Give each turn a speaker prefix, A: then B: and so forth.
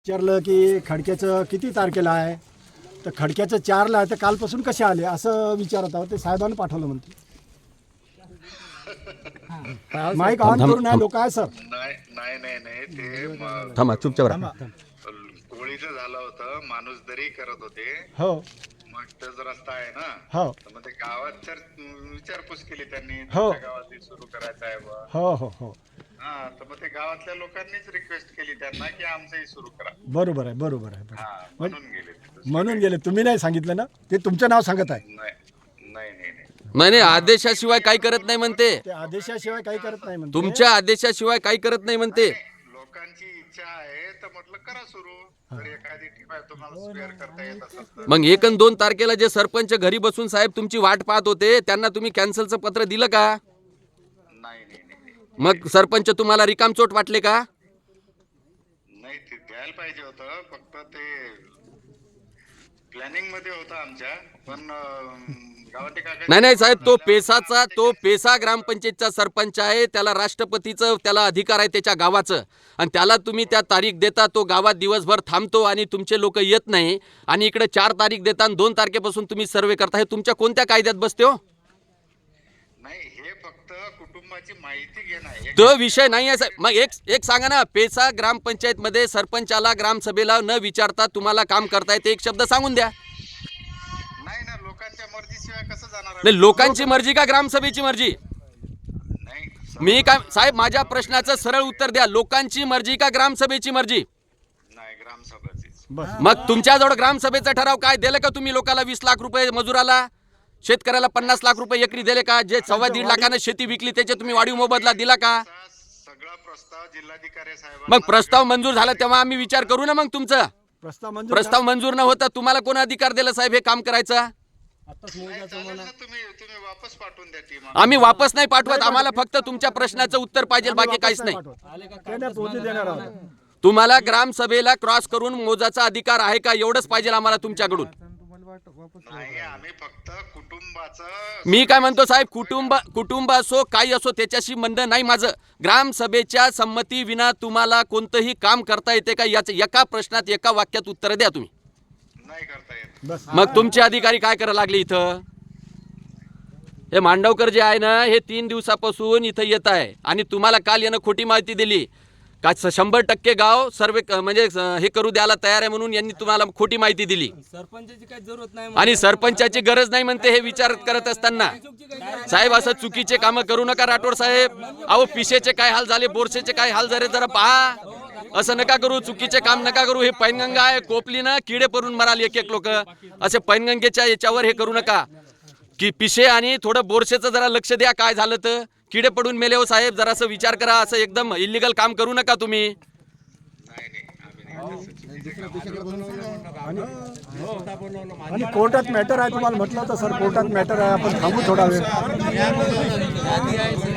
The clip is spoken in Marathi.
A: विचारलं की खडक्याचं किती तारखेला आहे, तर खडक्याचं 4ला आहे, तर कालपासून कसे आले असं विचारत आहोत. ते साहेबांनी पाठवलं म्हणते. माईक ऑन करून आहे लोक आहे सर.
B: नाही ते
C: थांबा चुपचाप राहा.
B: कोळीचं झालं होतं, माणूस दरी करत होते.
A: हो
B: मग तोच रस्ता आहे ना,
A: हो
B: तर मग ते गावात तर विचारपूस केली त्यांनी,
A: हो.
B: तुमच्या गावात सुरू करायचं आहे बा.
A: हो हो हो
B: हा, तर मग ते गावातल्या लोकांनीच रिक्वेस्ट केली त्यांना की आमचंही सुरू करा.
A: बरोबर आहे बरोबर आहे
B: हा,
A: बरोबर.
B: म्हणून गेले ते.
A: म्हणून गेले. तुम्ही नाही सांगितलं ना, ते तुमचं नाव सांगत आहे.
C: नाही आदेशाशिवाय काही करत नाही म्हणते.
A: ते आदेशाशिवाय काही करत नाही म्हणते.
C: तुमच्या आदेशाशिवाय काही करत नाही म्हणते.
B: लोकांची इच्छा आहे तर म्हटलं करा सुरू. जर एखादी टीम आहे तुम्हाला स्पेअर करता येत असेल तर.
C: मग 1 आणि 2 तारखेला जे सरपंच घरी बसून साहेब तुमची वाट पाहत होते, त्यांना तुम्ही कॅन्सलचं पत्र दिलं का?
B: नाही.
C: मग सरपंच तुम्हाला रिकामचोट वाटले का?
B: नाही, ते द्यायला पाहिजे होतं. फक्त ते प्लॅनिंग मध्ये होतं आमच्या, पण गावातील काका.
C: नाही साहेब, तो पेसा ग्रामपंचायतचा सरपंच आहे. त्याला राष्ट्रपतीचं त्याला अधिकार आहे त्याच्या गावाचं, आणि त्याला तुम्ही त्या तारीख देता. तो गावात दिवसभर थांबतो आणि तुमचे लोक येत नाही, आणि इकडे 4 तारीख देता आणि 2 तारखेपासून तुम्ही सर्वे करता. हे तुमच्या कोणत्या कायद्यात बसते हो?
B: नाही, हे फक्त कुटुंबाची माहिती घेणं आहे.
C: तो विषय नाही आहे साहेब. मग एक सांगा ना, पेसा ग्रामपंचायत मध्ये सरपंचाला ग्रामसभेला न विचारता तुम्हाला काम करता येते, एक शब्द सांगून द्या.
B: नाही ना, लोकांच्या मर्जीशिवाय कसं जाणार आहे?
C: नाही, लोकांची मर्जी का ग्रामसभेची मर्जी?
B: नाही,
C: मी काय साहेब, माझ्या प्रश्नाचं सरळ उत्तर द्या. लोकांची मर्जी का ग्रामसभेची मर्जी?
B: नाही, ग्रामसभाचीच.
A: बस.
C: मग तुमच्याजवळ ग्रामसभेचा ठराव काय दिलं का तुम्ही? लोकांना 20 लाख रुपये मजुराला, शेतकऱ्याला 50 लाख रुपये एकरी दिले का? जे 1.25 लाखानं शेती विकली त्याचे तुम्ही वाढीव मोबदला दिला का?
B: सगळा प्रस्ताव जिल्हाधिकारी साहेब.
C: मग प्रस्ताव मंजूर झाला तेव्हा आम्ही विचार करू ना. मग तुमचा प्रस्ताव मंजूर न होता तुम्हाला कोण अधिकार दिला साहेब हे काम करायचा?
B: तुम्ही वापस पाठवून द्या टीम.
C: आम्ही वापस नाही पाठवत. आम्हाला फक्त तुमच्या प्रश्नाचं उत्तर पाहिजे, बाकी काहीच नाही. तुम्हाला ग्रामसभेला क्रॉस करून मोजाचा अधिकार आहे का, एवढंच पाहिजे आम्हाला तुमच्याकडून.
B: नाही, आम्ही फक्त कुटुंबाचं.
C: मी काय म्हणतो साहेब, कुटुंब असो काही असो त्याच्याशी म्हणणं नाही माझं. ग्रामसभेच्या संमती विना तुम्हाला कोणतंही काम करता येते का, याचं एका प्रश्नात एका वाक्यात उत्तर द्या तुम्ही.
B: नाही करता येत.
C: मग तुमचे अधिकारी काय करायला लागले इथं? हे मांडवकर जे आहे ना, हे 3 दिवसापासून इथं येत आहे, आणि तुम्हाला काल यानं खोटी माहिती दिली का 100% गाव सर्वे म्हणजे हे करू द्यायला तयार आहे म्हणून यांनी तुम्हाला खोटी माहिती दिली.
D: सरपंचाची काही जरूरत नाही
C: आणि सरपंचाची गरज नाही म्हणते. हे विचार करत असताना साहेब असं चुकीचे कामं करू नका राठोड साहेब. अहो, पिशेचे काय हाल झाले, बोरसेचे काय हाल झाले जरा पहा. असं नका करू, चुकीचे काम नका करू. हे पैनगंगा आहे, कोपली ना किडे पडून मराल एक लोक. असे पैनगंगेच्या याच्यावर हे करू नका की पिशे आणि थोडं बोरसेचं जरा लक्ष द्या. काय झालं तर किडे पडून मेले हो साहेब, जरासं विचार करा. असं एकदम इलिगल काम करू नका तुम्ही.
A: आणि कोर्टात मॅटर आहे तुम्हाला म्हटलं होतं सर, कोर्टात मॅटर आहे, आपण थांबू थोडा वेळ.